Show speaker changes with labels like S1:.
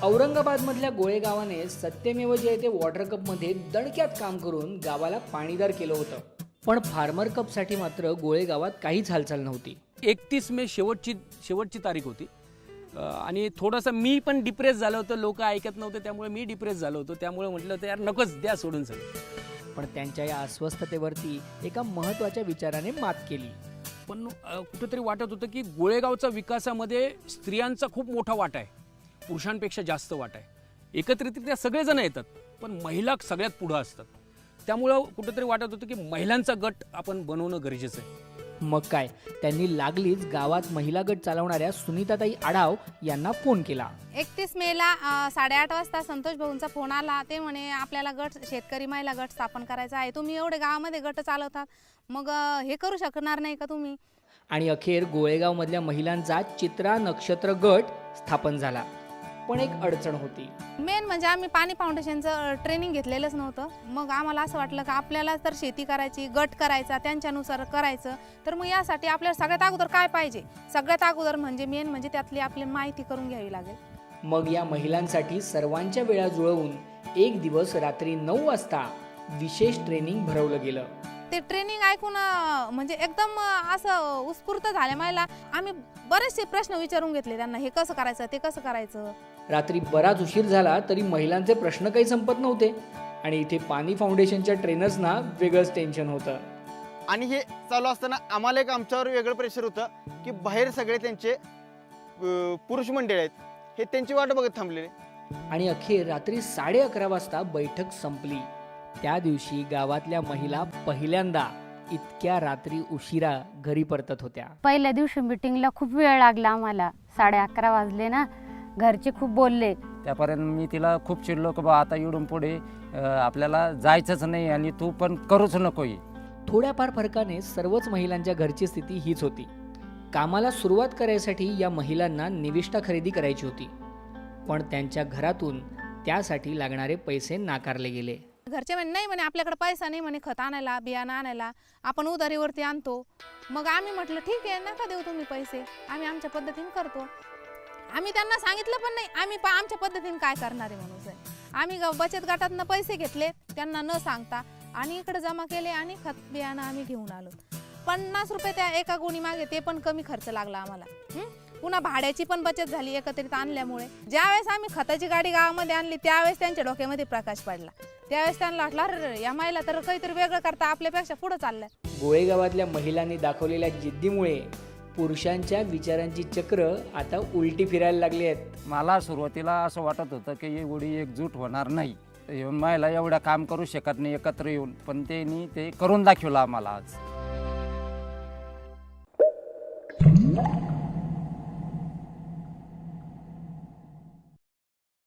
S1: औरंगाबादमधल्या गोळे गावाने सत्यमेव जयते वॉटर कपमध्ये दणक्यात काम करून गावाला पाणीदार केलं होतं. पण फार्मर कपसाठी मात्र गोळे गावात काहीच हालचाल नव्हती.
S2: 31 मे शेवटची तारीख होती आणि थोडंसं मी पण डिप्रेस झालो होतो. लोक ऐकत नव्हते त्यामुळे मी डिप्रेस झालो होतो. त्यामुळे म्हटलं तर यार नकोच, द्या सोडून सगळं.
S1: पण त्यांच्या या अस्वस्थतेवरती एका महत्त्वाच्या विचाराने मात केली.
S2: पण कुठेतरी वाटत होतं की गोळेगावचा विकासामध्ये स्त्रियांचा खूप मोठा वाटा आहे, पुरुषांपेक्षा जास्त वाटा आहे. एकत्रितरित्या सगळेजण येतात पण महिला सगळ्यात पुढं असतात. त्यामुळं कुठेतरी वाटत होतं की महिलांचा गट आपण बनवणं गरजेचं आहे.
S1: मग काय, त्यांनी लागलीच गावात महिला गट चालवणाऱ्या सुनीताताई आढाव यांना फोन केला.
S3: 31 मेला 8:30 वाजता संतोष भाऊंचा फोन आला. ते म्हणे आपल्याला गट शेतकरी महिला गट स्थापन करायचा आहे. तुम्ही एवढे गावामध्ये गट चालवतात, मग हे करू शकणार नाही का तुम्ही?
S1: आणि अखेर गोळेगावमधल्या महिलांचा चित्रा नक्षत्र गट स्थापन झाला. पण एक अडचण होती.
S3: मेन म्हणजे आम्ही पाणी फाउंडेशनचं ट्रेनिंग घेतलेलंच नव्हतं. मग आम्हाला असं वाटलं की आपल्याला तर शेती करायची, गट करायचा, त्यांच्यानुसार करायचं. तर मग यासाठी आपल्याला सगळ्यात अगोदर काय पाहिजे? सगळ्यात अगोदर म्हणजे मेन म्हणजे त्यातली आपली माहिती करून घ्यावी लागेल.
S1: मग या महिलांसाठी सर्वांच्या वेळा जुळवून एक दिवस रात्री 9 वाजता विशेष ट्रेनिंग भरवलं गेलं.
S3: ते ट्रेनिंग ऐकून म्हणजे एकदम असं उत्स्फूर्त झाले मला. आम्ही बरेचसे प्रश्न विचारून घेतले त्यांना, हे कसं करायचं, ते कसं करायचं.
S1: रात्री बराच उशीर झाला तरी महिलांचे प्रश्न काही संपत नव्हते. आणि इथे पाणी फाउंडेशनच्या ट्रेनर्सना वेगळंच टेन्शन होतं.
S4: आणि हे चालू असताना आम्हाला एक आमच्यावर वेगळं प्रेशर होतं की बाहेर सगळे त्यांचे पुरुष मंडळ आहेत, हे त्यांची वाट बघत थांबलेले.
S1: आणि अखेर रात्री 11:30 वाजता बैठक संपली. त्या दिवशी गावातल्या महिला पहिल्यांदा इतक्या रात्री उशिरा घरी परतत होत्या.
S5: पहिल्या दिवशी मीटिंगला खूप वेळ लागला आम्हाला. 11:30 वाजले ना. घरचे खूप बोलले.
S6: त्यापर्यंत मी तिला खूप चिडलो की बा आता इकडून पुढे आपल्याला जायचंच नाही आणि तू पण करूच नको.
S1: थोड्याफार फरकाने सर्वच महिलांच्या घरची स्थिती हीच होती. कामाला सुरुवात करायसाठी या महिलांना निविष्ठा खरेदी करायची होती. पण त्यांच्या घरातून त्यासाठी लागणारे पैसे नाकारले गेले.
S3: घरचे म्हणे नाही, म्हणे आपल्याकडे पैसा नाही, म्हणे खत आणायला, बियाणं आणायला, आपण उधारीवरती आणतो. मग आम्ही म्हटलं ठीक आहे, नका देऊ तुम्ही पैसे, आम्ही आमच्या पद्धतीने करतो. आम्ही त्यांना सांगितलं पण नाही आम्ही आमच्या पद्धतीने काय करणार आहे म्हणून. आम्ही बचत गटातनं पैसे घेतले त्यांना न सांगता आणि इकडे जमा केले आणि खत बियाणं आम्ही घेऊन आलो. 50 रुपये त्या एका गोणी मागे, ते पण कमी खर्च लागला आम्हाला. पुन्हा भाड्याची पण बचत झाली एकत्रित आणल्यामुळे. ज्यावेळेस आम्ही खताची गाडी गावामध्ये आणली त्यावेळेस त्यांच्या डोक्यामध्ये प्रकाश पडला. त्यावेळेस त्यांना वाटलं अरे या महिला तर काहीतरी वेगळं करता आपल्यापेक्षा पुढे चाललंय.
S1: गोळेगावातल्या महिलांनी दाखवलेल्या जिद्दीमुळे पुरुषांच्या विचारांची चक्र आता उलटी फिरायला लागली आहेत.
S6: मला सुरुवातीला असं वाटत होतं की एवढी एकजूट होणार नाही, येऊन महिला एवढं काम करू शकत नाही एकत्र येऊन, पण त्यांनी ते करून दाखवलं आम्हाला आज.